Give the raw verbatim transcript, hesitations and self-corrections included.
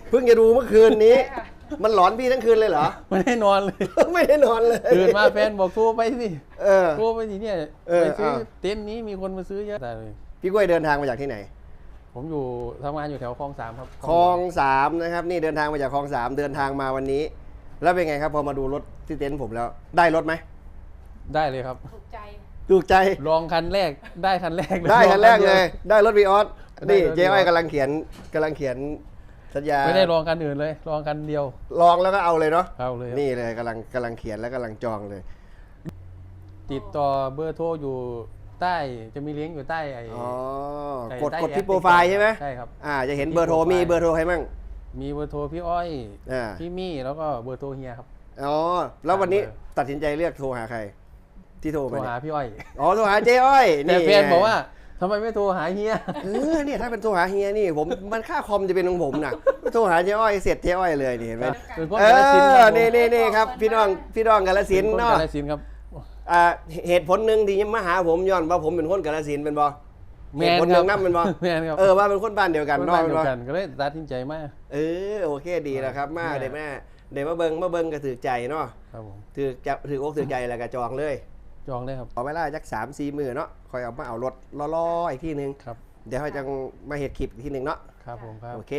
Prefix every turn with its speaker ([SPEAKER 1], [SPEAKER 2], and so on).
[SPEAKER 1] เพิ่งจะดูเมื่อคืนนี้ มันหลอนพี่ทั้งคืนเลยเหรอ
[SPEAKER 2] ไม่ได้นอนเลย
[SPEAKER 1] ไม่ได้นอนเลย
[SPEAKER 2] ตื่นมาแฟนบอกโทรไปสิ
[SPEAKER 1] เออ
[SPEAKER 2] โทรไปสิเนี่ย
[SPEAKER 1] เออ
[SPEAKER 2] ไปซื้อ
[SPEAKER 1] เอา
[SPEAKER 2] เต็นท์นี้มีคนมาซื้อเยอะแต่เลย
[SPEAKER 1] พี่กล้วยเดินทางมาจากที่ไหน
[SPEAKER 2] ผมอยู่ทำงานอยู่แถวคลองสามครับ
[SPEAKER 1] คลองสามนะครับนี่เดินทางมาจากคลองสามเดินทางมาวันนี้ แล้วเป็นไงครับพอมาดูรถที่เต็นท์ผมแล้ว ได้รถไหม
[SPEAKER 2] ได้เลยครับ
[SPEAKER 3] ถูกใจ
[SPEAKER 1] ถูกใจ
[SPEAKER 2] ลองคันแรกได้คันแรกเลย
[SPEAKER 1] ได้คันแรก
[SPEAKER 2] ดี
[SPEAKER 1] เล
[SPEAKER 2] วย
[SPEAKER 1] ได้รถวีออส
[SPEAKER 2] ได้
[SPEAKER 1] นี่
[SPEAKER 2] รถ
[SPEAKER 1] เจ๊อ้อย
[SPEAKER 2] Vios
[SPEAKER 1] กำลังเขียนกำลังเขียนสัญญา
[SPEAKER 2] ไม่ได้ลองคันอื่นเลยลองคันเดียว
[SPEAKER 1] ลองแล้วก็เอาเลยเนาะ
[SPEAKER 2] เอาเลยครับ
[SPEAKER 1] นี่เลยกำลังกำลังเขียนแล้วกำลังจองเลย
[SPEAKER 2] ติดต่อเบอร์โทรอยู่ใต้จะมีเลี้ยงก์อยู่ใต้ไอ้
[SPEAKER 1] อ๋อ
[SPEAKER 2] ใต้
[SPEAKER 1] กด
[SPEAKER 2] ใต้
[SPEAKER 1] กดที่
[SPEAKER 2] แอป
[SPEAKER 1] โปรไฟล์ใช่ไหม
[SPEAKER 2] ใช่ครับ
[SPEAKER 1] อ่าจะเห็นเบอร์โทรมีเบอร์โทรใครมั่ง
[SPEAKER 2] มีเบอร์โทรพี่อ้อย
[SPEAKER 1] อ่า
[SPEAKER 2] พี่มี่แล้วก็เบอร์โทรเฮียครับ
[SPEAKER 1] อ๋อแล้ววันนี้
[SPEAKER 2] เบอร์
[SPEAKER 1] ตัดสินใจเลือกโทรหาใคร ที่โทร
[SPEAKER 2] โทร
[SPEAKER 1] มาเนี่
[SPEAKER 2] หายพี่อ้อย
[SPEAKER 1] อ๋อโทรหาเจ๊อ้อย
[SPEAKER 2] แต่แฟน
[SPEAKER 1] ไง
[SPEAKER 2] บอกว่าทำไมไม่โทรหาเฮีย
[SPEAKER 1] เออเนี่ยถ้าเป็นโทรหาเฮียนี่ผมมันค่าคอมจะเป็นของผมนะโทรหาเจ๊อ้อยเสร็จเจ๊อ้อยเลยนี่เห็นไหม
[SPEAKER 2] เป็นคน
[SPEAKER 1] เอก
[SPEAKER 2] าฬสินธุ์ค
[SPEAKER 1] อ
[SPEAKER 2] รับผม
[SPEAKER 1] นี่นี่นี่ครับพี่น้องพี่น้องกาฬสินธุ์
[SPEAKER 2] เป็นคน
[SPEAKER 1] เนาะ
[SPEAKER 2] กาฬสินธุ์ครับ
[SPEAKER 1] อ่าเหตุผลหนึ่งที่มาหาผมย้อนว่าผมเป็นคนกาฬสินธุ์เป็นบ่
[SPEAKER 2] แม
[SPEAKER 1] เหตุ
[SPEAKER 2] น
[SPEAKER 1] ผลห
[SPEAKER 2] ครั
[SPEAKER 1] นึ่
[SPEAKER 2] บ
[SPEAKER 1] งนั่นเป็นบ่
[SPEAKER 2] แมนครับ
[SPEAKER 1] เออว่าเป็นคนบ้านเดียวกัน
[SPEAKER 2] คน
[SPEAKER 1] เนาะ
[SPEAKER 2] บ้าน
[SPEAKER 1] เป็น
[SPEAKER 2] เดีย
[SPEAKER 1] บ่
[SPEAKER 2] วกันก็เลยตัดสินใจมาก
[SPEAKER 1] เออโอเคดีแล้วครับมา
[SPEAKER 2] แม่
[SPEAKER 1] เดี๋ยวแม่เดี๋ยวมาเบิ่งมาเบิ่งก็ถือใจเนาะ
[SPEAKER 2] ครับผม
[SPEAKER 1] ถือจะถืออกถือใจแล้วก็จองเลย
[SPEAKER 2] จองเลยครับ
[SPEAKER 1] ขอเวลาจักสามสี่มือเนาะคอยเอามาเอารถล่อๆอีกทีนึง
[SPEAKER 2] ครับ
[SPEAKER 1] เดี๋ยวเขาจะมาเห็ดคลิปอีกทีหนึ่งเนาะ
[SPEAKER 2] ครับผมครับ
[SPEAKER 1] โอเค